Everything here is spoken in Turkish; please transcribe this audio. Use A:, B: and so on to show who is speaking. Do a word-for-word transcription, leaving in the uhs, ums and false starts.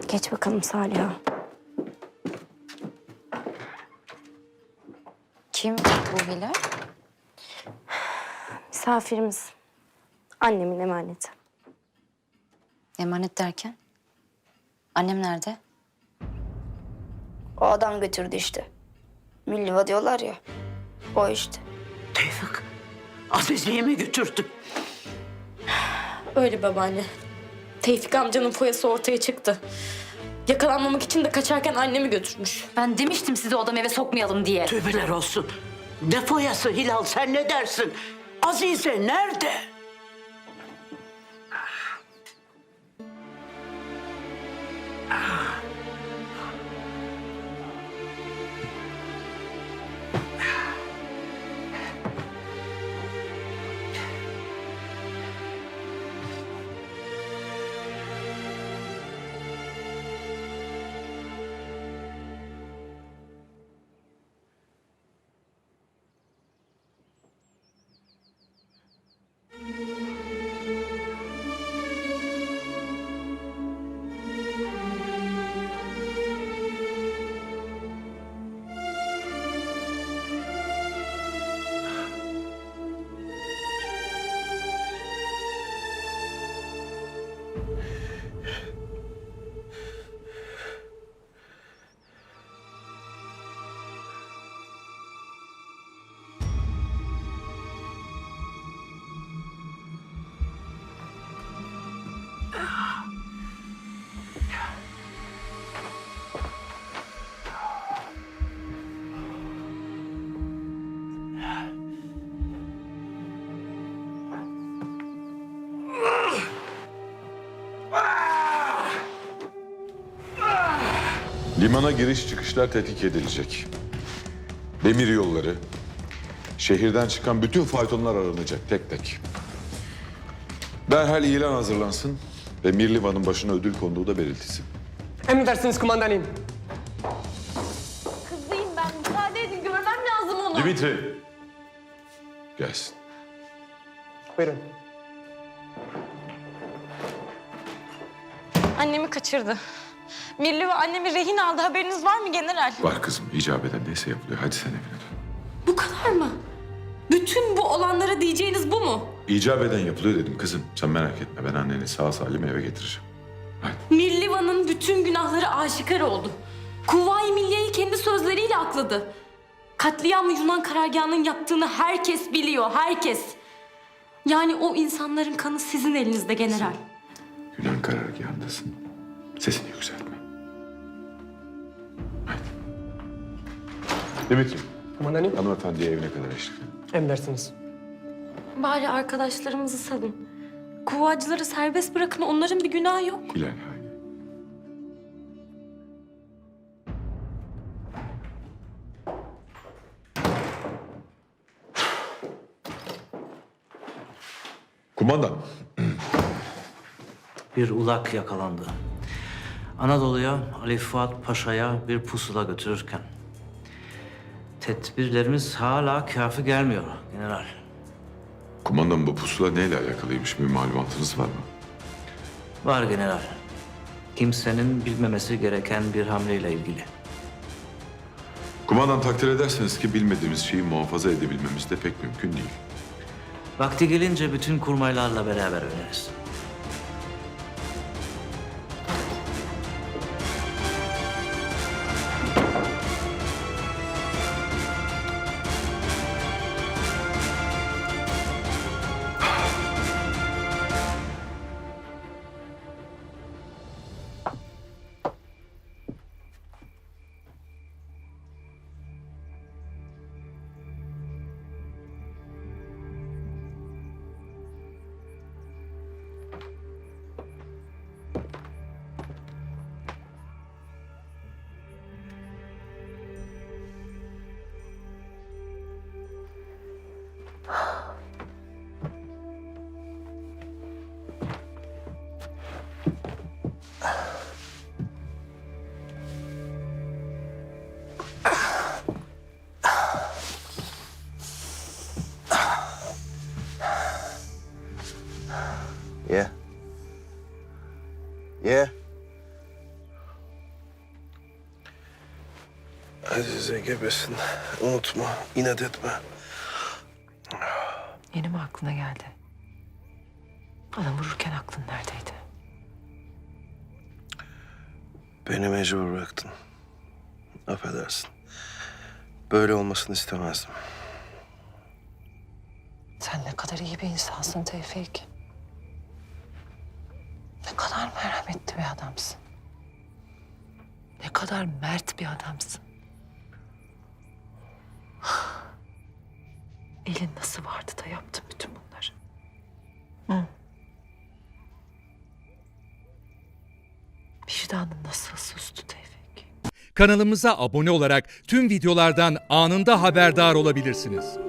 A: Geç bakalım Saliha.
B: Kim bu Hilal?
A: Misafirimiz. Annemin emaneti.
B: Emanet derken? Annem nerede?
C: O adam götürdü işte. Milliva diyorlar ya. O işte.
D: Tevfik, Azize'yi mi götürdün?
A: Öyle babaanne. Tevfik amcanın foyası ortaya çıktı. Yakalanmamak için de kaçarken annemi götürmüş.
B: Ben demiştim size odam eve sokmayalım diye.
D: Tövbeler olsun. Ne foyası Hilal, sen ne dersin? Azize nerede?
E: Limana giriş çıkışlar tetkik edilecek. Demir yolları, şehirden çıkan bütün faytonlar aranacak tek tek. Derhal ilan hazırlansın ve Mirlivan'ın başına ödül konduğu da belirtilsin.
F: Emredersiniz kumandanım.
A: Kızıyım ben. Müsaade edin. Görmem lazım onu.
E: Dimitri, gelsin.
F: Buyurun.
A: Annemi kaçırdı. Mirli ve annemi rehin aldı. Haberiniz var mı general?
E: Var kızım, icap eden neyse yapılıyor. Hadi sen evine dön.
A: Bu kadar mı? Bütün bu olanlara diyeceğiniz bu mu?
E: İcap eden yapılıyor dedim kızım. Sen merak etme, ben anneni sağ salim eve getireceğim. Hadi.
A: Mirlivan'ın bütün günahları aşikar oldu. Kuvayi Milliye'yi kendi sözleriyle akladı. Katliamı Yunan karargahının yaptığını herkes biliyor, herkes. Yani o insanların kanı sizin elinizde general.
E: Yunan karargahındasın. Sesini yükseltme. Hadi. Dimitri,
F: Kumandanım.
E: hanımefendiye evine kadar eşlik edin.
F: Emredersiniz.
A: Bari arkadaşlarımızı salın. Kuvacıları serbest bırakın, onların bir günahı yok.
E: Hilal, haydi. Kumandan,
G: Bir ulak yakalandı. Anadolu'ya Ali Fuat Paşa'ya bir pusula götürürken. Tedbirlerimiz hala kafi gelmiyor general.
E: kumandan bu pusula neyle alakalıymış, bir malumatınız var mı?
G: Var general. Kimsenin bilmemesi gereken bir hamleyle ilgili.
E: Kumandan, takdir ederseniz ki bilmediğimiz şeyi muhafaza edebilmemiz de pek mümkün değil.
G: Vakti gelince bütün kurmaylarla beraber öğreniriz.
H: Yeah. Yeah. Azize gebesin. Unutma, inat etme.
I: Yeni mi aklına geldi? Adam vururken aklın neredeydi?
H: Beni mecbur bıraktın. Affedersin. Böyle olmasını istemezdim.
I: Sen ne kadar iyi bir insansın Tevfik. Ne kadar merhametli bir adamsın. Ne kadar mert bir adamsın. Elin nasıl vardı da yaptın bütün bunları? Hı? Vicdanın nasıl sustu Tevfik?
J: Kanalımıza abone olarak tüm videolardan anında haberdar olabilirsiniz.